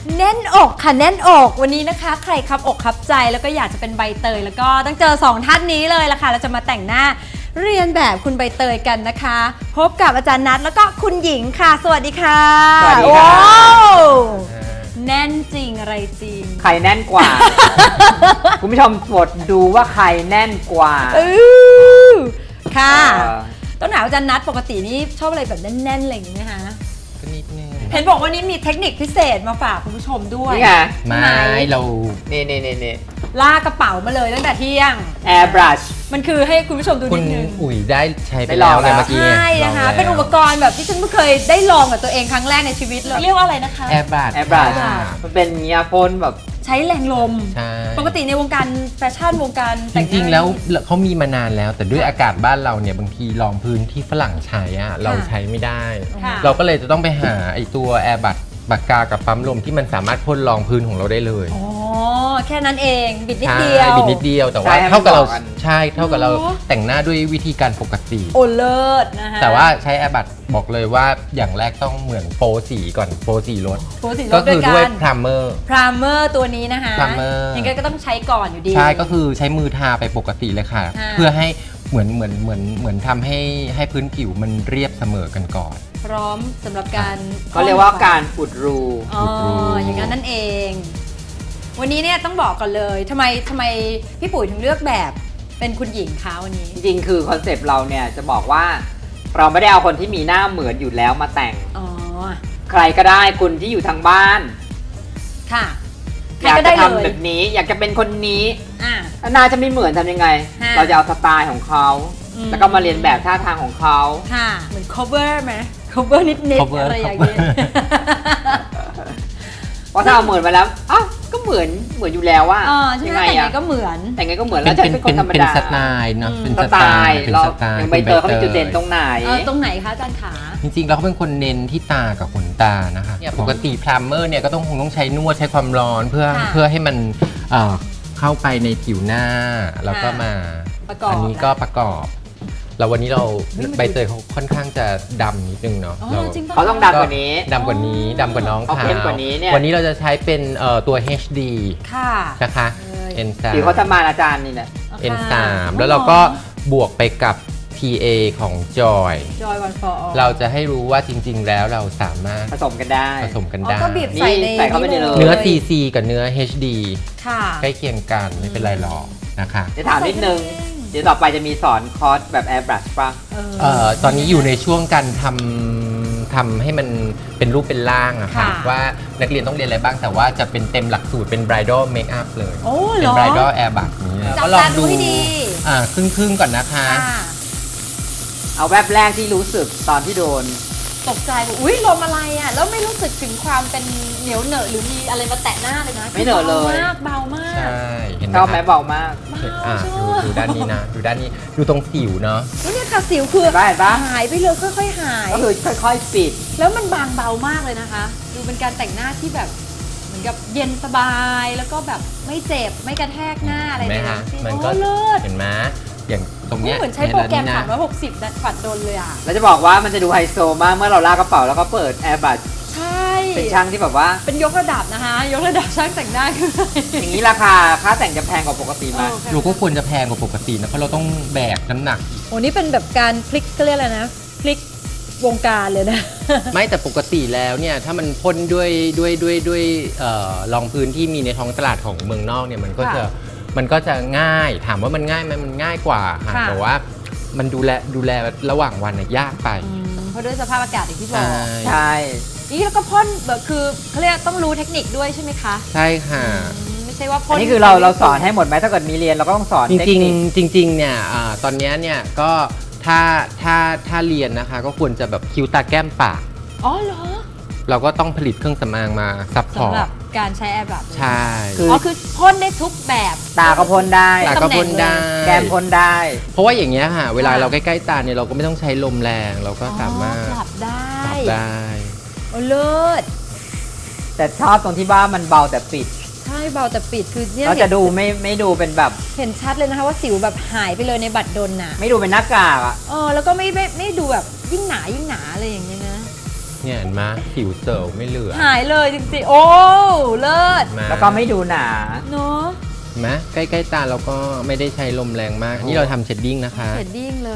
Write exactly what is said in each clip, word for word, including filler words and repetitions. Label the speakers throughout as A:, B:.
A: แน่นอกค่ะแน่นอกวันนี้นะคะใครครับอกครับใจแล้วก็อยากจะเป็นใบเตยแล้วก็ต้องเจอสองท่านนี้เลยล่ะค่ะเราจะมาแต่งหน้าเรียนแบบคุณใบเตยกันนะคะพบกับอาจารย์นัทแล้วก็คุณหญิงค่ะสวัสดีค่ะ
B: สวัสดีค่ะ
A: แน่นจริงอะไรจริง
B: ใครแน่นกว่า คุณผู้ชมโปรดดูว่าใครแน่นกว่า
A: ค่ะต้องถามอาจารย์นัทปกตินี่ชอบอะไรแบบแน่นๆอะไรอย่างนี้นะคะ
C: ก็นิดนึง
A: เห็นบอกว่านี้มีเทคนิคพิเศษมาฝากคุณผู้ชมด้วย
B: นี่ไง
C: ไม่เรา
B: นี่นี่นี่นี่
A: ลากกระเป๋ามาเลยตั้งแต่เที่ยง
B: Airbrush
A: มันคือให้คุณผู้ชมดูนิดนึง
C: คุณอุ๋ยได้ใช้ไปแล้วไงเมื่อกี้
A: ใช่นะคะเป็นอุปกรณ์แบบที่ฉันไม่เคยได้ลองกับตัวเองครั้งแรกในชีวิตเลยเรียกว่าอะไรนะคะ
C: Airbrush
B: Airbrush มันเป็นเงียโฟนแบบ
A: ใช้แรงลมปกติในวงการแฟชั่นวงการ
C: จริงๆแล้วเขามีมานานแล้วแต่ด้วยอากาศบ้านเราเนี่ยบางทีรองพื้นที่ฝรั่งใช้อะเราใช้ไม่ได้เราก็เลยจะต้องไปหาไอตัว Airbrush ปากกากับปั๊มลมที่มันสามารถพ่นรองพื้นของเราได้เลย
A: อ๋อแค่นั้นเองบิดนิดเดียว
C: บิดนิดเดียวแต่ว่าเท่ากับเราใช่เท่ากับเราแต่งหน้าด้วยวิธีการปกติ
A: โอเลิศนะคะ
C: แต่ว่าใช้ Airbrush บอกเลยว่าอย่างแรกต้องเหมือนโปรสีก่อนโปรสีรถก็คือด้วยพรามเมอร์
A: พรามเมอร์ตัวนี้นะคะ
C: พรามเมอร์
A: ยังไงก็ต้องใช้ก่อนอยู่ดี
C: ใช่ก็คือใช้มือทาไปปกติเลยค่ะเพื่อให้เหมือนเหมือนเหมือนเหมือนทำให้ให้พื้นผิวมันเรียบเสมอกันก่อน
A: พร้อมสำหรับการ
B: เขาเรียกว่าการอุดรู
A: อ๋ออย่างนั้นนั่นเองวันนี้เนี่ยต้องบอกก่อนเลยทำไมทำไมพี่ปุ๋ยถึงเลือกแบบเป็นคุณหญิงคะวันนี้
B: จริงๆคือคอนเซปต์เราเนี่ยจะบอกว่าเราไม่ได้เอาคนที่มีหน้าเหมือนอยู่แล้วมาแต่งอ๋อใครก็ได้คุณที่อยู่ทางบ้าน
A: ค่ะ
B: อยากจะทำแบบนี้อยากจะเป็นคนนี้น่าจะไม่เหมือนทำยังไงเราจะเอาสไตล์ของเขาแล้วก็มาเรียนแบบท่าทางของเขา
A: ค่ะเหมือน cover ไหม cover นิดนิดอะไรอย่างเงี้ย
B: เพราะถ้าเอาเหมือนมาแล้วอ้าวก็เหมือนเหมือนอยู่แล้วว่า
A: ยังไงแต่งไงก็เหมือน
B: แต่งไงก็เหมือนแล้วจะเป็นคนธรรมดา
C: เป็นสไตล์เนาะ
B: เป็นสไตล์เราอย่างใบเตยเขาเป็นจุดเด่นตรงไหน
A: ตรงไหนคะอาจารย์ขา
C: จริงๆเราเขาเป็นคนเน้นที่ตากับขนตานะคะปกติพรามเมอร์เนี่ยก็ต้องคงต้องใช้นวดใช้ความร้อนเพื่อเพื่อให้มันเข้าไปในผิวหน้าแล้วก็มาอันนี้ก็ประกอบเราวันนี้เราใบเตยเขาค่อนข้างจะดำนิดนึงเนาะ
B: เขาต้องดำกว่านี้
C: ดำกว่านี้ดำกว่าน้องเขาวันนี้เราจะใช้เป็นตัว เอช ดี นะคะ เอ็น สาม
B: ที่เขาทำมาอาจารย์นี่แหละ
C: เอ็น สาม แล้วเราก็บวกไปกับ ที เอ ของ Joy
A: Joy One for All
C: เราจะให้รู้ว่าจริงๆแล้วเราสามารถ
B: ผสมกันได้
C: ผสมกันได้
A: ก็บีบใส่ใน
C: เนื้อ ซี ซี กับเนื้อ เอช ดี ใกล้เคียงกันไม่เป็นไรหรอกนะคะ
B: จะถามนิดนึงเดี๋ยวต่อไปจะมีสอนคอร์สแบบ Airbrush ป่ะ
C: เอ่อตอนนี้อยู่ในช่วงการทำทำให้มันเป็นรูปเป็นร่างอะค่ะว่านักเรียนต้องเรียนอะไรบ้างแต่ว่าจะเป็นเต็มหลักสูตรเป็น Bridal Makeup เลยเป็น Bridal Airbrush นี้
A: ก็ลองดู
C: อ่าครึ่งๆก่อนนะคะ
B: เอาแวบแรกที่รู้สึกตอนที่โดน
A: ตกใจบอกอุ้ยลมอะไรอ่ะแล้วไม่รู้สึกถึงความเป็นเหนียวเหนอะหรือมีอะไรมาแตะหน้าเลยนะ
B: ไม่เหนอะเลย
A: เบามาก
C: ใช่
B: เห็นไหมชอบไหมเบามาก
C: อ่าดูดูด้านนี้นะดูด้านนี้ดูตรงสิวเนาะ
A: นี่ค่ะสิวคือหายไปเลยค่อยๆหาย
B: ก็คือค่อยๆปิด
A: แล้วมันบางเบามากเลยนะคะดูเป็นการแต่งหน้าที่แบบเหมือนกับเย็นสบายแล้วก็แบบไม่เจ็บไม่กระแทกหน้าอะไรเลย
C: มันก็เลิศเห็นไหมอย่างตรงนี้
A: เหมือนใช้โปรแกรมสามร้อยหกสิบดัดฝัดโดนเลยอ่ะ
B: แล้วจะบอกว่ามันจะดูไฮโซมากเมื่อเราลากกระเป๋าแล้วก็เปิด Airbrush
A: ใช่
B: เป็นช่างที่แบบว่า
A: เป็นยกระดับนะคะยกระดับช่างแต่งหน้าขึ้น
B: อย่างนี้ราคาค่าแต่งจะแพงกว่าปกติไหม
C: เราก็ควรจะแพงกว่าปกตินะเพราะเราต้องแบกน้ำหนัก
A: โอ้นี่เป็นแบบการพลิกก็เรียกอะไรนะพลิกวงการเลยนะ
C: ไม่แต่ปกติแล้วเนี่ยถ้ามันพ่นด้วยด้วยด้วยด้วยรองพื้นที่มีในท้องตลาดของเมืองนอกเนี่ยมันก็จะมันก็จะง่ายถามว่ามันง่ายไหมมันง่ายกว่าค่ะแต่ว่ามันดูแลดูแลระหว่างวันยากไป
A: เพราะด้วยสภาพอากาศอย่างที่บอก
B: ใช่
A: นี่แล้วก็พ่นแบบคือเขาเรียกต้องรู้เทคนิคด้วยใช่ไหมคะ
C: ใช่ค่ะ
A: ไม่ใช่ว่าพ่น
B: นี่คือเราเราสอนให้หมดไหมถ้าเกิดมีเรียนเราก็ต้องสอน
C: จริงจริงจริงเนี่ยตอนนี้เนี่ยก็ถ้าถ้าถ้าเรียนนะคะก็ควรจะแบบคิ้วตาแก้มปาก
A: อ๋อเหรอ
C: เราก็ต้องผลิตเครื่องสำอางมาซัพพอร์ต
A: สำหรับการใช้แอร์แบบ
C: ใช่
A: อ๋อคือพ่นได้ทุกแบบ
B: ตาก็พ่นได้
C: ตาก็พ่นได้
B: แก้มพ่นได้
C: เพราะว่าอย่างเงี้ยค่ะเวลาเราใกล้ๆตาเนี่ยเราก็ไม่ต้องใช้ลมแรงเราก็สามารถ
A: ปรับได้
C: ปรับได้
A: โอ้เลิศ
B: แต่ชอบตรงที่ว่ามันเบาแต่ปิด
A: ใช่เบาแต่ปิดคือ
B: เราจะดูไม่ไม่ดูเป็นแบบ
A: เห็นชัดเลยนะคะว่าสิวแบบหายไปเลยในบัตรดลน่ะ
B: ไม่ดูเป็นหน้ากากอ่ะ
A: เออแล้วก็ไม่ไม่ไม่ดูแบบยิ่งหนายิ่งหนาอะไรอย่างเงี้ยนะ
C: เนี่ยเห็นไหมผิวเซลล์ไม่เหลือ
A: หายเลยจริงๆโอ้เลิศ
B: แล้วก็ไม่ดูหนา
A: เนาะ
C: เห็นไหมใกล้ๆตาเราก็ไม่ได้ใช้ลมแรงมากอันนี่เราทำเชดดิ้งนะคะ
A: เชดดิ้งเลย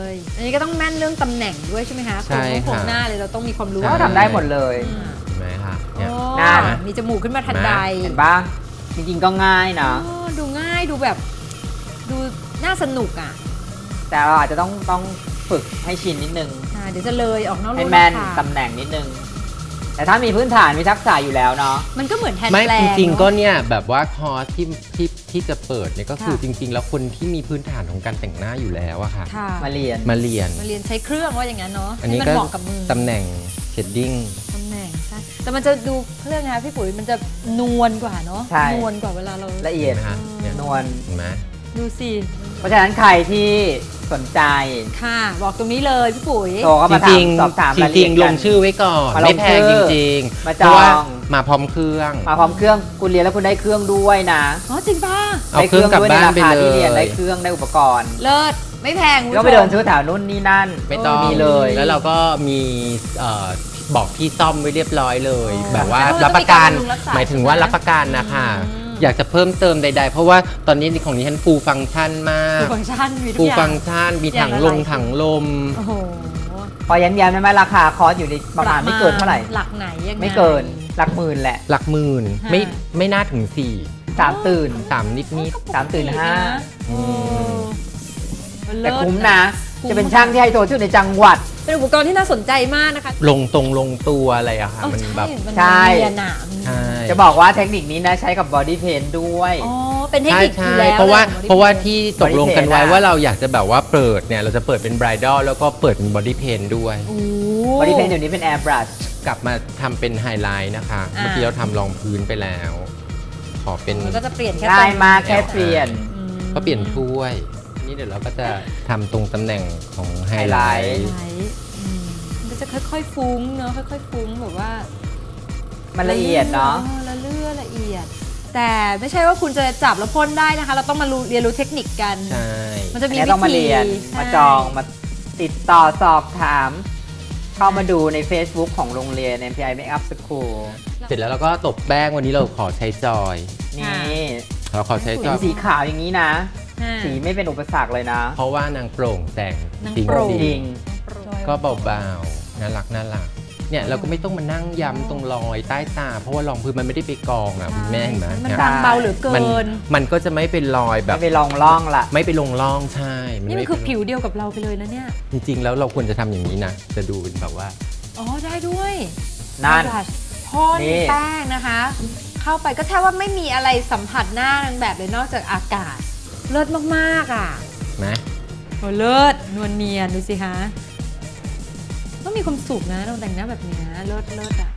A: อันนี้ก็ต้องแม่นเรื่องตำแหน่งด้วยใช่ไหมคะ
C: ใช่
A: โครง
C: ค่ะ
A: หน้าเลยเราต้องมีความรู้
B: ก็ทำได้หมดเลย
A: อืม
C: เห็นไหมคะเนี่ย
A: โอ้
B: หน้า
A: มีจมูกขึ้นมาทันใด
B: เห็นปะจริงๆก็ง่ายนะ
A: อ๋อดูง่ายดูแบบ ดูน่าสนุกอ่ะ
B: แต่เราอาจจะต้องต้องฝึกให้ชินนิดนึง
A: อ่าเดี๋ยวจะเลยออกนอก
B: ให้
A: ลู่
B: แม่น
A: ค่ะ
B: ตำแหน่งนิดนึง แต่ถ้ามีพื้นฐานมีทักษะอยู่แล้วเนาะ
A: มันก็เหมือนแทน
C: ไม่
A: แปล
C: จ
A: ง
C: ริงๆก็
A: เนอะ
C: เนี่ยแบบว่าคอร์สที่ที่ที่จะเปิดเนี่ยก็คือ
A: ค่ะ
C: จริง ๆ แล้วคนที่มีพื้นฐานของการแต่งหน้าอยู่แล้วอะค่ะ
A: ค่ะ
B: มาเรียน
C: มาเรียน
A: มาเรียนใช้เครื่องว่าอย่างนั้นเนาะ
C: อันนี้
A: ให้มั
C: ก็
A: เหมาะกับมือ
C: ตำแหน่งเชดดิ้ง
A: ตำแหน่งใช่แต่มันจะดูเครื่องนะคะพี่ปุ๋ยมันจะนวลกว่าเนาะ
B: ใช่
A: นวลกว่าเวลาเรา
B: ละเอียด
C: เห็นไหมคะเนี่ย
B: นวล
C: เห็นไหม
A: ดูสิ
B: เพราะฉะนั้นใครที่สนใจ
A: ค่ะ บอกตรงนี้เลยพี่ปุ๋ย
B: โทรเข้ามา
C: จ
B: ถา
C: ริ
B: ม
C: ง
B: สอบถาม
C: ๆจ
B: รายละ
C: ริ
B: เอี
C: ง
B: ยด
C: ๆล
B: กั
C: ง
B: น
C: ชื่อไว้ก่อน
B: มาลง
C: ไม่แพง
B: ชื่
C: จ
B: อ
C: ริง
B: มา
C: ๆ
B: จอง
C: เพราะว่ามาพร้อมเครื่อง
B: มาพร้อมเครื่องคุณเรียนแล้วคุณได้เครื่องด้วยนะ
A: อ๋อจริงป่ะ
C: เอาเครื่องกลับบ้านไป
B: ด้
C: เล
B: คที่เรียนได้
C: ย
B: เครื่องได้อุปกรณ์
A: เลิศไม่แพงคุณ
B: ก็
A: ผู้ชม
B: ไปเดินซื้อแถวนู่นนี่นั่น
C: ไม่ต้อง
B: มีเลย
C: แล้วเราก็มีเอ่อบอกที่ซ่อมไว้เรียบร้อยเลย
A: อ๋อ
C: แบบว่า
A: แล้วก็
C: รับประกัน
A: มีการบำรุงรักษา
C: หมายถึงว่า
A: ใช่ไหม
C: รับประกันนะคะ
A: อืม
C: อยากจะเพิ่มเติมใดๆ เพราะว่าตอนนี้ของนี้ฉันฟูลฟังก์ชันมา
A: ฟู
C: ก
A: ฟังก์ชันมีทุ
C: ฟู
A: ก
C: ล
A: อย่า
C: ฟั
A: ง
C: งก์ชันมี
A: อย่า
C: ถั
A: ง
C: ง
A: ละ
C: ลง
A: หลาย
C: ถังลม
A: โอ้โห
B: พอย้ำๆได้ไหมราคาคอร์สอยู่ในประมาณไม่เกินเท่าไหร่
A: หลักไหนยังไง
B: ไม่เกินหลักหมื่นแหละ
C: หลักหมื่น
A: ค่ะ
C: ไม่ไม่น่าถึงสี่
B: สามตื่น
C: สามนิดนิด
B: สามตื่นห้า
A: โอ้
B: แต่คุ้มนะ
A: คุ้ม
B: จะเป็นช่างที่ไฮโซที่สุดในจังหวัด
A: เป็นอุปกรณ์ที่น่าสนใจมากนะคะ
C: ลงตรงลงตัวอะไรอะค่ะ
A: เออ
C: มัน
A: ใช่
C: แบบ
A: มัน
B: ใช่
A: เรียนหนาม
C: ใช่
B: จะบอกว่าเทคนิคนี้นะใช้กับบอดี้เพนด้วย
A: อ๋อเป็นเทค
C: ใช่
A: นิคอ
C: ใช่
A: ยู่แล้ว
C: เพราะว่า
A: ลย
C: เพราะว่าที่ตกลงกันไว้
B: Body paint
C: ว่าเราอยากจะแบบว่าเปิดเนี่ยเราจะเปิดเป็นบรายดอลแล้วก็เปิดเป็นบอดี้เพนด้วย
A: โอ้
B: บอดี้เพนเดี๋ยวนี้เป็นแอร์บรัช
C: กลับมาทำเป็นไฮไลท์นะคะ
A: อ่า
C: เมื่อกี้เราทำรองพื้นไปแล้ว ขอเป็น
A: มันก็จะเปลี่ยนแค่
B: ง่าย
A: ตรง
B: มากแค่เปลี่ยน
A: อืม
C: ก็เปลี่ยนถ้วย นี่เดี๋ยวเราก็จะทำตรงตำแหน่งของไฮไล
B: ไฮไลท์
C: ท์
A: ไลท์อืมมันก็จะค่อยๆฟุ้งเนาะค่อยๆฟุ้งแบบว่า
B: มันละเอียดเนาะ
A: ออละเลือละเอียด แต่ไม่ใช่ว่าคุณจะจับแล้วพ่นได้นะคะ เราต้องมารู้เรียนรู้เทคนิคกัน
C: ใช่
A: มันจะ
B: อัน
A: มี
B: นี้
A: วิ
B: ต้องมา
A: ธี
B: เรียน
A: ใช่
B: มาจองมาติดต่อสอบถาม เข้ามาดูใน Facebook ของโรงเรียน เอ็ม พี ไอ Makeup School
C: เสร็จแล้วเราก็ตบแป้งวันนี้เราขอใช้จอย
B: นี่
C: เราขอใช้จ
B: เห็
C: อน ย
B: สีขาวอย่างนี้นะ
A: อ่า
B: สีไม่เป็นอุปสรรคเลยนะ
C: เพราะว่านางโปร่งแต่ง
A: นาง
C: จริง
A: โปร่ง
C: ๆ
B: จริง
C: ก็เบาๆ น่ารักน่ารัก เนี่ยเราก็ไม่ต้องมานั่งย้ำตรงรอยใต้ตา เพราะว่ารองพื้นมันไม่ได้ไปกองอ่ะคุณแม่เห็นไหม
A: มัน
C: เนี่ย
A: บางเบาเหลือเกิ
C: มัน
A: น
C: มันก็จะไม่เป็นรอยแบ
B: ไม่
C: บ
B: ไปลองล่องละ
C: ไม่ไปลงร่องใช่
A: นี่มัน
C: ไม่
A: คือ
C: เป็น
A: ผิวเดียวกับเราไปเลยนะเนี่ย
C: จริง ๆ แล้วเราควรจะทำอย่างนี้นะ จะดูเป็นแบบว่า
A: อ๋อได้ด้วย
B: นั่น
A: บลัชพ่น
B: นี่
A: แป้งนะคะ เข้าไปก็แทบว่าไม่มีอะไรสัมผัสหน้านางแบบเลยนอกจากอากาศ เลิศมากๆอ่ะ
C: นะ
A: โอ้เลิศนวลเนียนดูสิคะต้องมีความสุขนะเราแต่งหน้าแบบเนี้ยเลิศเลิศอ่ะ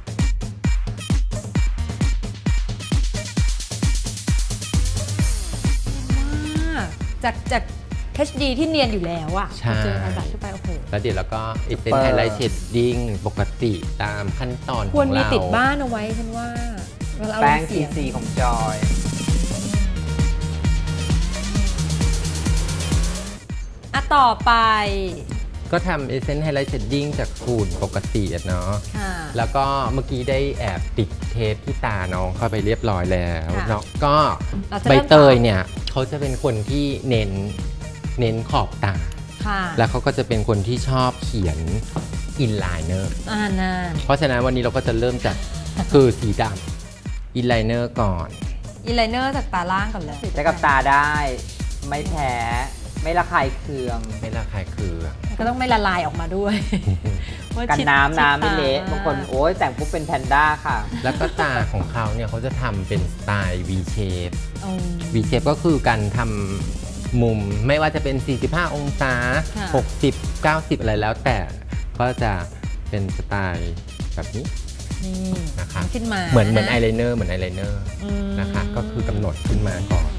A: มากจากจาก เอช ดี ที่เนียนอยู่แล้วอะ
C: ใช่
A: เจอไอบัตเข้าไปโอ้โห
C: แล้วเดี๋ยวเราก็เอเซนไฮไลท์เชดดิ้งปกติตามขั้นตอนของ
A: ควรมี
C: เรา
A: ติดบ้านเอาไว้ฉันว่าเวลาเอา
B: แป้ง
A: ล
B: ซี
A: เสียง
B: ซีของจอย
A: อ่ะต่อไป
C: ก็ทำเอเซนไฮไลท์เชดดิ้งจากฝุ่นปกติอะเนาะ
A: ค่ะ
C: แล้วก็เมื่อกี้ได้แอบติดเทปที่ตาน้องเข้าไปเรียบร้อยแล้ว
A: ค่ะ
C: เนาะก็
A: เราจะ
C: ใบ
A: เริ่ม
C: เตยเนี่ยเขาจะเป็นคนที่เน้นเน้นขอบตา
A: ค่ะ
C: แล้วเขาก็จะเป็นคนที่ชอบเขียนอินไลเนอร์
A: อ่าน่า
C: เพราะฉะนั้นวันนี้เราก็จะเริ่มจาก คือสีดำอินไลเนอร์ก่อน
A: อีไลเนอร์จากตาล่างก่อนเลย
B: ใช้กับตาได้ ไม่แพ้ ไม่ระคายเคือง
C: ไม่ระคายเคือง
A: ก็ต้องไม่ละลายออกมาด้วยว่า
B: กัน
A: ชิด
B: น้ำน้ำ
A: ชิ
B: ไม่
A: ดต
B: เละบางคนโอ้ยแต่งปุ๊บเป็นแพนด้าค่ะ
C: แล้วก็ตาของเขาเนี่ยเขาจะทำเป็นสไตล์ V shape
A: อืม
C: V shape ก็คือการทำมุมไม่ว่าจะเป็น สี่สิบห้า องศา
A: ค่ะ
C: หกสิบ เก้าสิบ อะไรแล้วแต่ก็จะเป็นสไตล์แบบนี้
A: นี่
C: นะคะ
A: ขึ้นมา
C: เหมือนเหมือนไอไลเนอร์เหมือนไอไลเนอร์
A: อืม
C: นะคะก็คือกำหนดขึ้นมาก่อน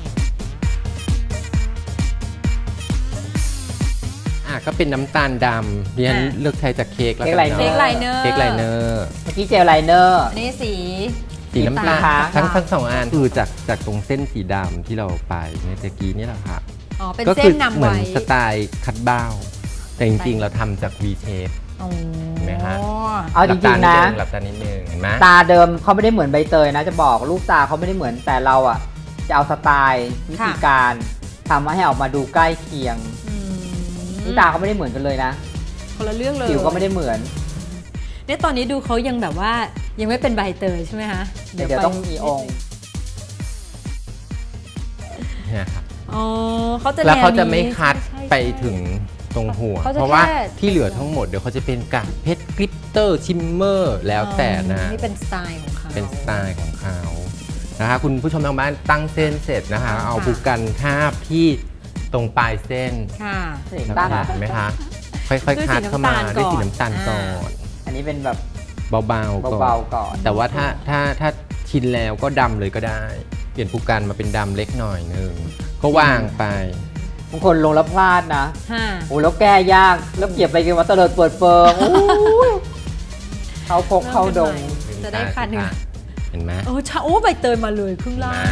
C: อ่ะก็เป็นน้ำตาลดำเรียนเลือกใช้จากเค้กแล้วกัน
B: เค้กไลเนอร์
A: เค้กไลเนอร์
C: เค้กไลเนอร์
B: เมื่อกี้เจลไลเนอร์
A: อันนี้สี
C: สีน้ำตาล
B: ค่ะ
C: ทั้งทั้งสองอันคือจากจากตรงเส้นสีดำที่เราไปเมื่อกี้นี่แหละค่ะ
A: อ๋อเป็น
C: ก็
A: เส้
C: คื
A: นนำ
C: เหมือ
A: ไว้
C: นสไตล์คัดเบ้า แต่จริงๆ เราทำจาก V shape
A: อ๋อ
C: ไหมคะ
B: เอาจริงๆนะ
C: หลับตานิดนึงเห็นไหม
B: ตาเดิมเขาไม่ได้เหมือนใบเตยนะจะบอกลูกตาเขาไม่ได้เหมือนแต่เราอ่ะจะเอาสไตล์วิธีการทำให้ออกมาดูใกล้เคียงนี่ตาเขาไม่ได้เหมือนกันเลยนะ
A: คนละเรื่องเลย
B: ผิวก็ไม่ได้เหมือน
A: เนี่ยตอนนี้ดูเขายังแบบว่ายังไม่เป็นใบเตยใช่ไหมคะ
B: เดี๋ยวต้องมีองค์
C: เนี่ยครับ
A: อ๋อเขาจะ
C: แล้วเขาจะไม่คัดไปถึงตรงหัว เพราะว่าที่เหลือทั้งหมดเดี๋ยวเขาจะเป็นกากเพชรกลิตเตอร์ชิมเมอร์แล้วแต่นะ
A: นี่เป็นสไตล์ของเขา
C: เป็นสไตล์ของเขานะคะคุณผู้ชมทางบ้านตั้งเส้นเสร็จนะคะเอาบุกกันคาบที่ตรงปลายเส้น
A: ค่ะ
C: เห็นไหมคะค่อยๆคัดเข้ามาด้วยสีน้ำตาลก่อน
B: อันนี้เป็นแบบ
C: เบาๆ
B: ก่อน
C: แต่ว่าถ้าถ้าถ้าชินแล้วก็ดำเลยก็ได้เปลี่ยนภูกันมาเป็นดำเล็กหน่อยนึงก็วางไป
B: บางคนลงแล้วพลาดนะโอ้แล้วแก้ยากแล้วเก็บไปกันว่าเตลิดเปิดเปิงเขาพกเข้าดง
A: จะได้คันหนึ่ง
C: เห็นไหม
A: โอ้ชาโอ้ใบเตยมาเลยครึ่งล่าง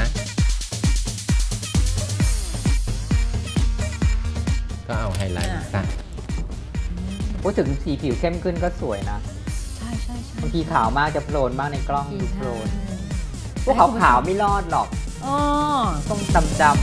C: ก็เอาไฮไลท์ซะ
B: พูดถึงสีผิวเข้มขึ้นก็สวยนะ
A: ใช่ใช่ใช่
B: บางทีขาวมากจะโพลนมากในกล้องดูโพลนพวกขาวขาวไม่รอดหรอก
A: อ๋อ
B: ต้องดำดำ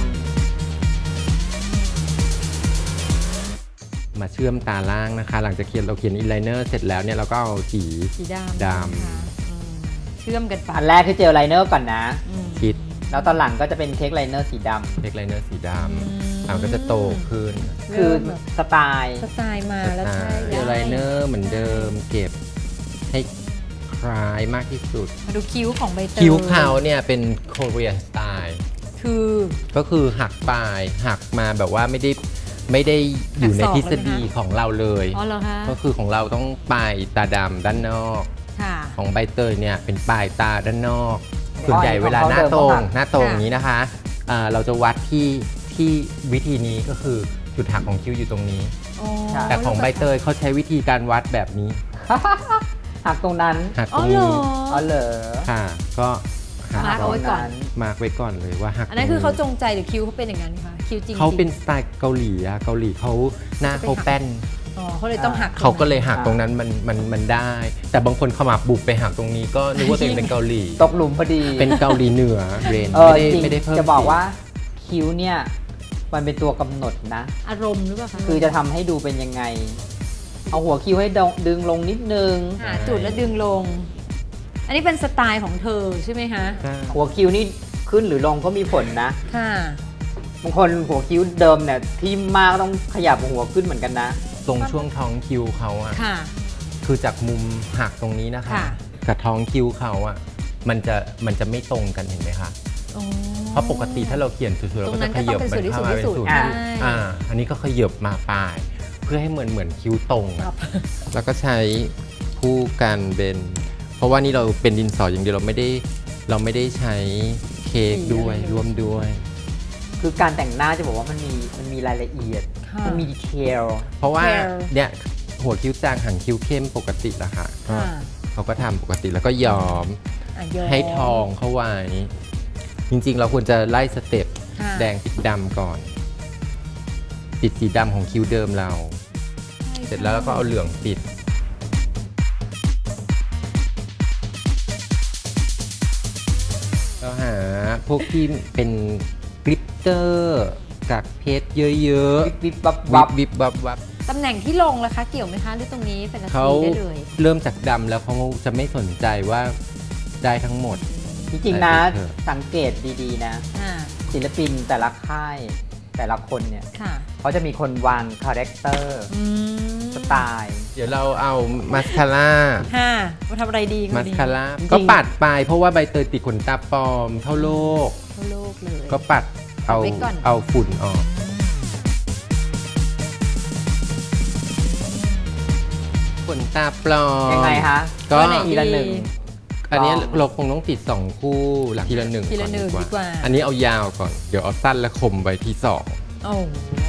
C: มาเชื่อมตาล่างนะคะหลังจากเขียนเราเขียนอินไลเนอร์เสร็จแล้วเนี่ยเราก็เอาสีด
A: ำเชื่อมกันไป
B: อันแรกคือเจลไลเนอร์ก่อนนะ
C: คิด
B: แล้วตอนหลังก็จะเป็นเค้กไลเนอร์สีดำ
C: เค้กไลเนอร์สีดำอ่าก็จะโตขึ้น
B: คือสไตล์
A: สไตล์มาแล้วใช่
C: เจลไลเนอร์เหมือนเดิมเก็บให้คล้ายมากที่สุด
A: มาดูคิ้วของใบเตย
C: คิ้วเขาเนี่ยเป็นโคเรียนสไตล์
A: คือ
C: ก็คือหักปลายหักมาแบบว่าไม่ได้ไม่ได้อยู่ในทฤษฎีของเราเลยก็คือของเราต้องปลายตาดำด้านนอกของใบเตยเนี่ยเป็นปลายตาด้านนอกส่วนใหญ่เวลาหน้าตรงหน้าตรงนี้นะคะเราจะวัดที่ที่วิธีนี้ก็คือจุดหักของคิ้วอยู่ตรงนี้แต่ของใบเตยเขาใช้วิธีการวัดแบบนี้
B: หักตรงนั้น
C: หักตรงนี้
B: อ๋อเหรอ
C: ค่ะก็
A: มาร์กเอาไว้ก่อน
C: มาร์กไว้ก่อนเลยว่าหัก
A: อันนั้นคือเขาจงใจหรือคิ้วเขาเป็นอย่างนั้นคะคิ้วจริง
C: เขาเป็นสไตล์เกาหลีอะเกาหลีเขาหน้าเขาแป้น
A: อ๋อเขาเลยต้องหัก
C: เขาก็เลยหักตรงนั้นมันมันมันได้แต่บางคนขมับบุบไปหักตรงนี้ก็นึกว่าตัวเองเป็นเกาหลี
B: ตกหลุมพอดี
C: เป็นเกาหลีเหนือเรน
B: ไม่ได้ไม่ได้เพิ่มจะบอกว่าคิ้วเนี่ยมันเป็นตัวกำหนดนะ
A: อารมณ์หรือเปล่าคะ
B: คือจะทำให้ดูเป็นยังไงเอาหัวคิ้วให้ดึงลงนิดนึง
A: หาจุดแล้วดึงลงอันนี้เป็นสไตล์ของเธอใช่ไหมคะ
B: หัวคิ้วนี่ขึ้นหรือลงก็มีผลนะ
A: ค่ะ
B: บางคนหัวคิ้วเดิมเนี่ยที่มากต้องขยับหัวขึ้นเหมือนกันนะ
C: ตรงช่วงท้องคิ้วเขาอะคือจากมุมหักตรงนี้นะคะกับท้องคิ้วเขาอะมันจะมันจะไม่ตรงกันเห็นไหมคะเพราะปกติถ้าเราเขียนสวยๆเราก็จะขยับมันเข้ามาเป็นสุดอ่าอันนี้ก็ขยับมาปลายเพื่อให้เหมือนเหมือนคิ้วตรงแล้วก็ใช้คู่กันเป็นเพราะว่านี่เราเป็นดินสออย่างเดียวเราไม่ได้เราไม่ได้ใช้เค้กด้วยร่วมด้วย
B: คือการแต่งหน้าจะบอกว่ามันมีมันมีรายละเอียดมันมีดีเทล
C: เพราะว่าเนี่ยหัวคิ้วจางหางคิ้วเข้มปกติละค่ะเขาก็ทำปกติแล้วก็ย้อมให้ทองเข้าไว้จริงๆเราควรจะไล่สเต็ปแดงปิดดำก่อนปิดสีดำของคิ้วเดิมเราเสร็จแล้วเราก็เอาเหลืองปิดเราหาพวกที่เป็นกลิตเตอร์กากเพชรเยอะ
B: ๆวิบวับวับ
C: วิบวับวับ
A: ตำแหน่งที่ลงล่ะคะเกี่ยวไหมคะหรือตรงนี้เป็นอะไรได้เลย
C: เริ่มจากดำแล้วเขาจะไม่สนใจว่าได้ทั้งหมด
B: จริงๆนะสังเกตดีๆนะศิลปินแต่ละค่ายแต่ละคนเนี่ยเขาจะมีคนวางคาแรคเตอร์สไตล์
C: เดี๋ยวเราเอามาสคาร่า
A: ค่ะมาทำอะไรดี
C: มาสคาร่าก็ปัดไปเพราะว่าใบเตยติดขนตาปลอมเท่าโลก
A: เท่าโลกเลย
C: ก็ปัดเอาเอาฝุ่นออกขนตาปลอม
B: ยังไงคะ
C: ก็
B: ทีละหนึ่ง
C: อันนี้เราคงต้องติดสองคู่หลังทีละหนึ่งก่อนดีกว่าอันนี้เอายาวก่อนเดี๋ยวเอาสั้นและคมไว้ที่สอง
A: โอ้โห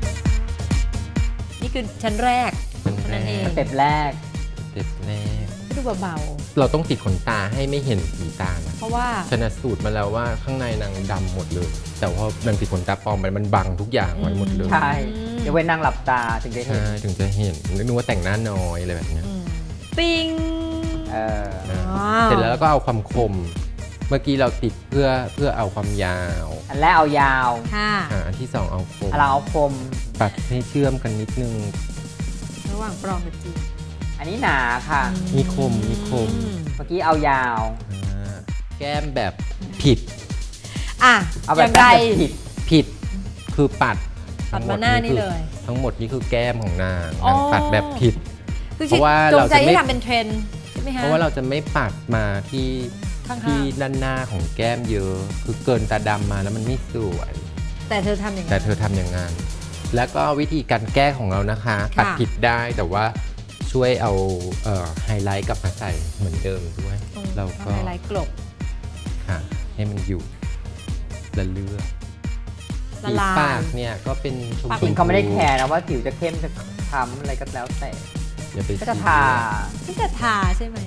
A: นี่คือชั้นแรก
C: นั่นเอง
B: สเต็ปแรก
C: สเต็ปแรก
A: ดูเบา
C: เราต้องติดขนตาให้ไม่เห็นสีตานะ
A: ๆเพราะว่า
C: ชนะสูตรมาแล้วว่าข้างในนางดำหมดเลย แต่ว่ามันติดขนตาปลอมไปมันบังทุกอย่างไว้หมดเลย
B: ใช่เดี๋ยวไว้นั่งหลับตาถึงจะเห็น
C: ใช่ถึงจะเห็นนึกว่าแต่งหน้าน้อยอะไรแบบเนี้ย
A: อืมปิ้ง
B: เออ
C: นะ
A: ว้าว
C: เสร็จแล้วก็เอาความคม เมื่อกี้เราติดเพื่อเพื่อเอาความยาว
B: อันแรกเอายาว
A: ค่ะ
C: อ่าอันที่สองเอาคม
B: อันหลังเอาคม
C: ปัดให้เชื่อมกันนิดนึง
A: ระหว่างปลอมกับจริง
B: อันนี้หนาค่ะ
C: มีคมมีคม
B: เมื่อกี้เอายาว
C: อ่าแก้มแบบผิด
A: อ่ะ
B: เอา
A: อ
B: แบบ
A: ย่างไร
B: แบบผิด
C: ผิดคือปัด
A: ปัดมาหน้านี่เลย
C: ทั้งหมดนี่คือแก้มของนาง
A: อ๋อ
C: นางปัดแบบผิด
A: คือ
C: เพราะว่า
A: จง
C: เรา
A: ใจ
C: จะไม่
A: ให้ทำเป็นเทรนด์ใช่ไหมฮะ
C: เพราะว่าเราจะไม่ปัดมาที่
A: ข้างๆ
C: ที่ด้านหน้าของแก้มเยอะ คือเกินตาดำมาแล้วมันไม่สวย
A: แต่เธอทำอย่างนั้น
C: แต่เธอทำอย่างนั้น แล้วก็วิธีการแก้ของเรานะคะ
A: ค่ะ
C: ปัดผิดได้แต่ว่าช่วยเอาเอ่อไฮไลท์กลับมาใส่เหมือนเดิมด้วย
A: ตรง
C: เราก็
A: ไฮไลท์กลบ
C: ค่ะให้มันอยู่ละเลือก
A: ละ
C: สี
A: ลาย
C: ปากเนี่ยก็เป็นชม
A: ปาก
C: พู
B: จริงเขาไม่ได้แคร์นะว่าผิวจะเข้มจะคล้ำอะไรก็แล้วแต่
C: อย่าไป
B: ก็จะ
C: ซี
B: ทา
A: ที่จะทาใช่ไหม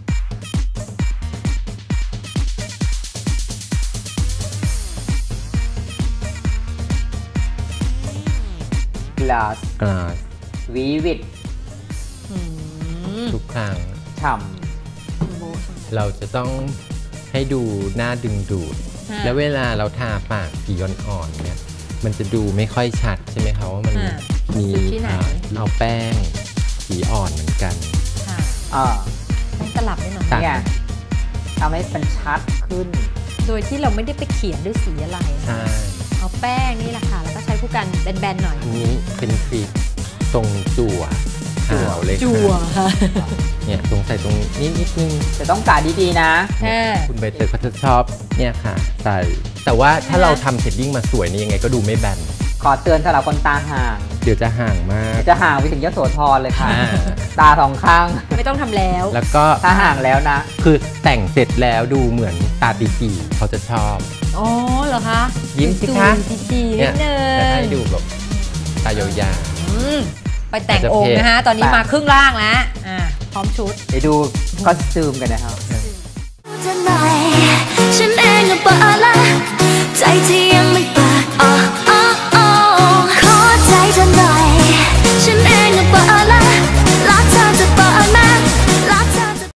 B: glass
C: กลาส
B: vivid
A: อืม
C: ทุกครั้ง
B: ฉ่
A: โบะ
C: เราจะต้องให้ดูหน้าดึงดูด
A: ค่ะ
C: แล้วเวลาเราทาปากสีอ่อนๆเนี่ยมันจะดูไม่ค่อยชัดใช่ไหมคะว่ามัน
A: ค่ะ
C: มี
A: จุดที่ไหน
C: อ่าเอาแป้งสีอ่อนเหมือนกัน
A: ค่ะ
B: ำอ่า
A: ต้องตลับด้วยหน่อย
C: ตัด
B: เนี่ยทำให้มันชัดขึ้น
A: โดยที่เราไม่ได้ไปเขียนด้วยสีอะไรนะ
C: ใช่
A: เอาแป้งนี่แหละค่ะ แล้วก็ใช้ผู้กันแบนๆหน่อย
C: อันนี้เป็นทริคตรงจั่ว
B: จั่ว
C: หาวเลย
A: จั่ว
C: ค่ะ
A: ค่ะ
C: เนี่ยตรงใส่ตรงนิดนิดนึง
B: จะต้องกาดีๆนะ
A: ค่ะ
C: คุณใบเตยเขาจะชอบเนี่ยค่ะใส่แต่ว่าถ้าเราทำเชดดิ้งมาสวยนี่ยังไงก็ดูไม่แบน
B: ขอเตือนสำหรับคนตาห่าง
C: เดี๋ยวจะห่างมาก
B: จะห่างไปถึงยโสธรเลยค่ะ
C: อ่า
B: ตาสองข้าง
A: ไม่ต้องทำแล้ว
C: แล้วก็
B: ถ้าห่างแล้วนะ
C: คือแต่งเสร็จแล้วดูเหมือนตาตีตีเขาจะชอบ
A: อ๋อเหรอคะ
C: ยิ้มสิคะ
A: ดูดีๆนิ
C: เนี่
A: ด
C: ย
A: นึง
C: จะให้ดูแบบตายาว
A: อืมไปแต่ง
C: อาจจะ
A: องค์นะคะ ตอนนี้
B: ไป
A: มาครึ่งล่างแล้ว อ่า พร้อมชุด
B: ไปดูคอสตูมกันนะครับ
D: เธอหน่อยฉันเองก็เบอร์ละใจที่ยังไม่